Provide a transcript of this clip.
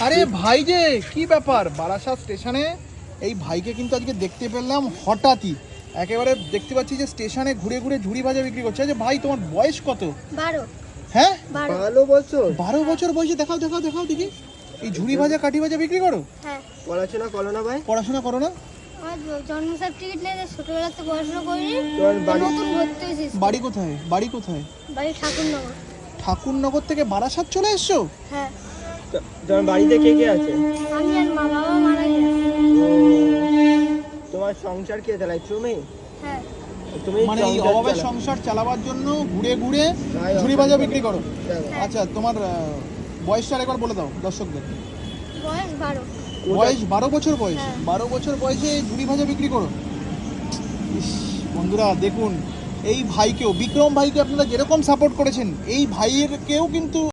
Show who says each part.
Speaker 1: আরে ভাই যে কি ব্যাপার, বারাসাত স্টেশনে এই ভাইকে কিন্তু আজকে দেখতে পেলাম হঠাৎই। একেবারে দেখতে পাচ্ছি যে স্টেশনে ঘুরে ঘুরে ঝুড়ি ভাজা বিক্রি করছে। আচ্ছা ভাই, তোমার বয়স কত?
Speaker 2: 12।
Speaker 1: হ্যাঁ
Speaker 3: 12 বছর?
Speaker 1: 12 বছর বয়সে? দেখাও দেখাও দেখাও দেখি, এই ঝুড়ি ভাজা কাঠি ভাজা বিক্রি করো?
Speaker 2: হ্যাঁ।
Speaker 3: পড়াশোনা করো না ভাই?
Speaker 1: পড়াশোনা করো না?
Speaker 2: আমার জন্ম সার্টিফিকেট নেই, ছোটবেলাতে পড়াশোনা করিনি।
Speaker 3: তোমার বাড়ি?
Speaker 2: নতুন ভর্তি হয়েছি।
Speaker 1: বাড়ি কোথায়? বাড়ি কোথায়?
Speaker 2: বাড়ি ঠাকুরনগর।
Speaker 1: ঠাকুরনগর থেকে বারাসাত চলে এসছো?
Speaker 2: হ্যাঁ।
Speaker 3: তোমার বাড়িতে কে কে আছে?
Speaker 2: আমি আর মা, বাবা মারা গেছে।
Speaker 3: ও, তোমার সংসার কে চালায়? তুমি?
Speaker 2: হ্যাঁ।
Speaker 3: তুমি
Speaker 1: মানে এই
Speaker 3: সংসার
Speaker 1: অভাবের
Speaker 3: চালাও?
Speaker 1: সংসার চালাবার জন্য ঘুরে ঘুরে
Speaker 3: ভাই,
Speaker 1: ঝুড়ি ভাজা বিক্রি করো?
Speaker 3: দেখো,
Speaker 1: আচ্ছা, তোমার বয়সটা একবার বলে দাও দর্শকদের।
Speaker 2: বয়স 12।
Speaker 1: বয়স 12 বছর বয়স?
Speaker 2: হ্যাঁ।
Speaker 1: 12 বছর বয়সে ঝুড়ি ভাজা বিক্রি করো? ইস, বন্ধুরা দেখুন, এই ভাইকেও, বিক্রম ভাইকে আপনারা যেরকম সাপোর্ট করেছেন, এই ভাইয়েরকেও কিন্তু